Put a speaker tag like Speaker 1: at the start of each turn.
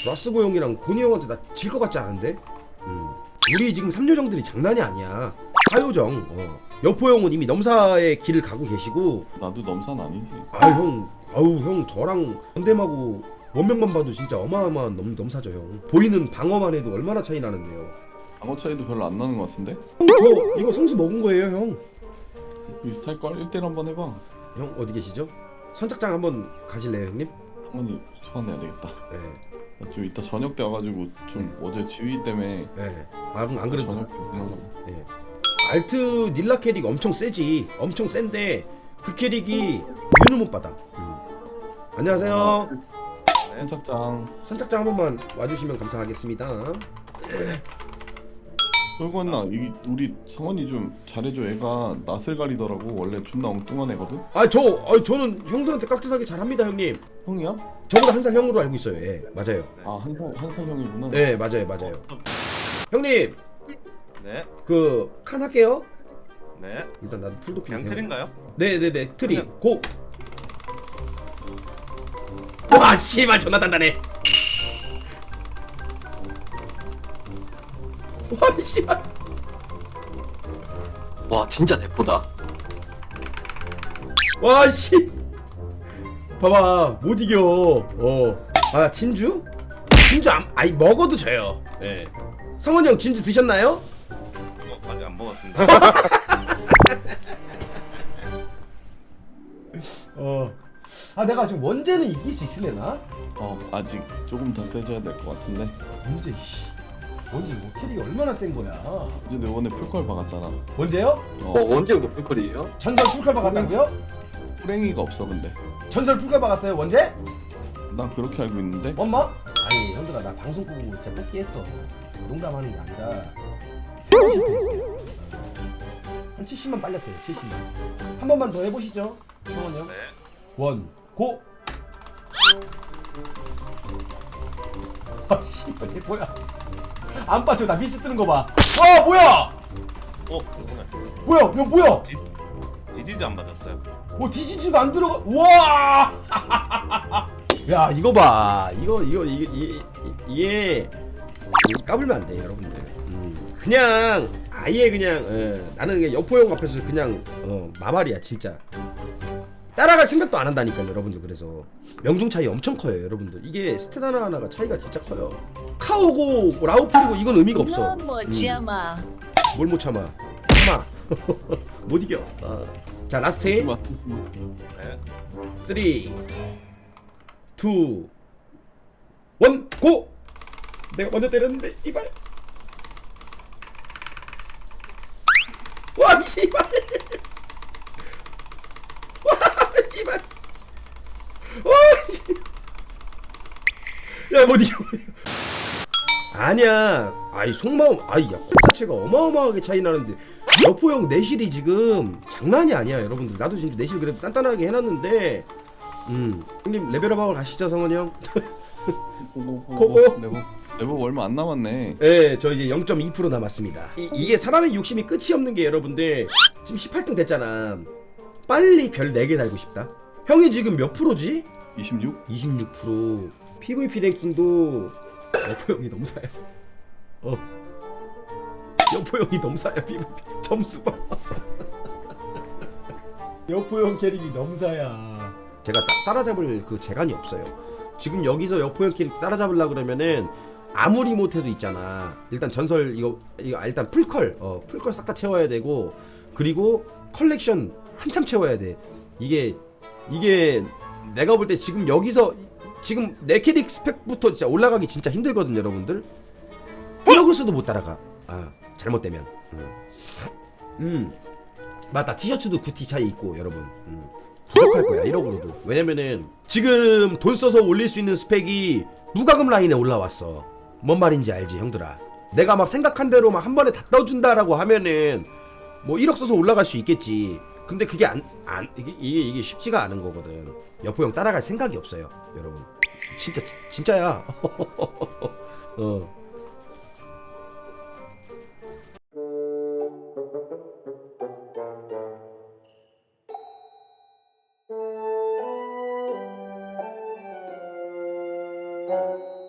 Speaker 1: 왓스고 형이랑 고니 형한테 나 질 것 같지 않은데? 우리 지금 3요정들이 장난이 아니야. 4요정. 여포 형은 이미 넘사의 길을 가고 계시고.
Speaker 2: 나도 넘사는 아니지.
Speaker 1: 형 저랑 현대마고 원명만 봐도 진짜 어마어마한 넘사죠 형. 보이는 방어만 해도 얼마나 차이 나는데요.
Speaker 2: 방어 차이도 별로 안 나는 것 같은데?
Speaker 1: 형 저 이거 성수 먹은 거예요 형.
Speaker 2: 비슷할걸? 1대1 한번 해봐.
Speaker 1: 형 어디 계시죠? 선착장 한번 가실래요 형님?
Speaker 2: 상원이 소환해야 되겠다.
Speaker 1: 네.
Speaker 2: 나 좀 이따 저녁 때 와가지고 좀 어제 지휘 때문에
Speaker 1: 네. 안 그래도
Speaker 2: 저녁 때 하려고.
Speaker 1: 네. 알트 닐라 캐릭 엄청 세지. 엄청 센데 그 캐릭이 윤을 못 받아. 안녕하세요.
Speaker 2: 선착장.
Speaker 1: 선착장 한 번만 와주시면 감사하겠습니다.
Speaker 2: 솔건나 우리 상원이 좀 잘해줘. 애가 낯을 가리더라고. 원래 존나 엉뚱한 애거든.
Speaker 1: 저는 형들한테 깍듯하게 잘합니다 형님.
Speaker 2: 형이야?
Speaker 1: 저보다 한 살 형으로 알고 있어요. 예, 맞아요.
Speaker 2: 아 한 살 형이구나.
Speaker 1: 네, 맞아요. 형님,
Speaker 3: 네.
Speaker 1: 그 칸 할게요.
Speaker 3: 네.
Speaker 1: 일단 나도 풀도핑.
Speaker 3: 그냥 틀인가요?
Speaker 1: 네네네, 트리
Speaker 3: 그냥-
Speaker 1: 고. 와, 씨발 존나 단단해. 와, 씨발.
Speaker 4: 와 진짜 대포다.
Speaker 1: 와, 씨. 봐봐, 못 이겨. 아, 진주? 진주 아니 먹어도 져요. 예. 성원이 형 진주 드셨나요?
Speaker 3: 아직 안 먹었습니다.
Speaker 1: 내가 지금 원제는 이길 수 있으려나?
Speaker 2: 아직 조금 더 세져야 될 것 같은데.
Speaker 1: 원제 원제 뭐 캐릭이 얼마나 센 거야?
Speaker 2: 이제 내 이번에 풀컬 박았잖아.
Speaker 1: 원제요?
Speaker 4: 언제 여기 풀컬이에요?
Speaker 1: 전설 풀칼 박았다고요?
Speaker 2: 호랭이가 없어 근데.
Speaker 1: 전설 풀칼 박았어요 원제?
Speaker 2: 난 그렇게 알고 있는데.
Speaker 1: 엄마? 아니 형들아 나 방송 보고 진짜 뽑기했어. 농담하는 게 아니라 3번씩 했어요. 한 70만 빨렸어요. 70만. 한 번만 더 해보시죠. 성원 형.
Speaker 3: 네.
Speaker 1: 원 고. 아 씨발 이게 뭐야? 안 빠져. 나 미스 뜨는 거 봐. 와 뭐야?
Speaker 3: 그러네.
Speaker 1: 뭐야? 이거 뭐야?
Speaker 3: 디디즈 안 받았어요.
Speaker 1: 디시즈가 안 들어가. 와! 야 이거 봐. 이게 까불면 안 돼 여러분들. 그냥 아예 그냥 나는 그냥 여포형 앞에서 그냥 마말이야 진짜. 따라갈 생각도 안 한다니까요 여러분들. 그래서 명중 차이 엄청 커요 여러분들. 이게 스탯 하나하나가 차이가 진짜 커요. 카오고 라우풀이고 이건 의미가 없어.
Speaker 5: 못 참아.
Speaker 1: 뭘 못 참아. 못 이겨. 자 라스트
Speaker 2: 네.
Speaker 1: 3 2 1 고! 내가 먼저 때렸는데 이발. 와 씨발. 와 씨발. 야못 이겨. 아니야. 아이 속마음 야 코 자체가 어마어마하게 차이 나는데 여포 형 내실이 지금 장난이 아니야 여러분들. 나도 지금 내실 그래도 단단하게 해놨는데 형님 레벨업하고 가시죠 성원이 형. 고고.
Speaker 2: 레벨 얼마 안 남았네.
Speaker 1: 네, 저 이제 0.2% 남았습니다. 이게 사람의 욕심이 끝이 없는 게 여러분들 지금 18등 됐잖아. 빨리 별 4개 달고 싶다. 형이 지금 몇 프로지?
Speaker 2: 26?
Speaker 1: 26%. PVP 랭킹도 여포 형이 넘사야. 여포 형이 넘사야. PVP 점수 봐. 여포 형 캐릭이 넘사야. 제가 따라잡을 그 재간이 없어요. 지금 여기서 여포 형 캐릭 따라잡으려 그러면은 아무리 못해도 있잖아. 일단 전설 이거 일단 풀컬 풀컬 싹 다 채워야 되고, 그리고 컬렉션 한참 채워야 돼. 이게 내가 볼 때 지금 여기서 지금 내 캐릭 스펙부터 진짜 올라가기 진짜 힘들거든 여러분들. 플러그스도 못 따라가. 잘못되면. 맞다. 티셔츠도 9T 차이 있고 여러분. 부족할 거야 1억으로도. 왜냐면은 지금 돈 써서 올릴 수 있는 스펙이 무과금 라인에 올라왔어. 뭔 말인지 알지 형들아. 내가 막 생각한 대로 막 한 번에 다 떠준다라고 하면은 뭐 1억 써서 올라갈 수 있겠지. 근데 그게 이게 쉽지가 않은 거거든. 여포 형 따라갈 생각이 없어요 여러분. 진짜야.
Speaker 5: Thank you.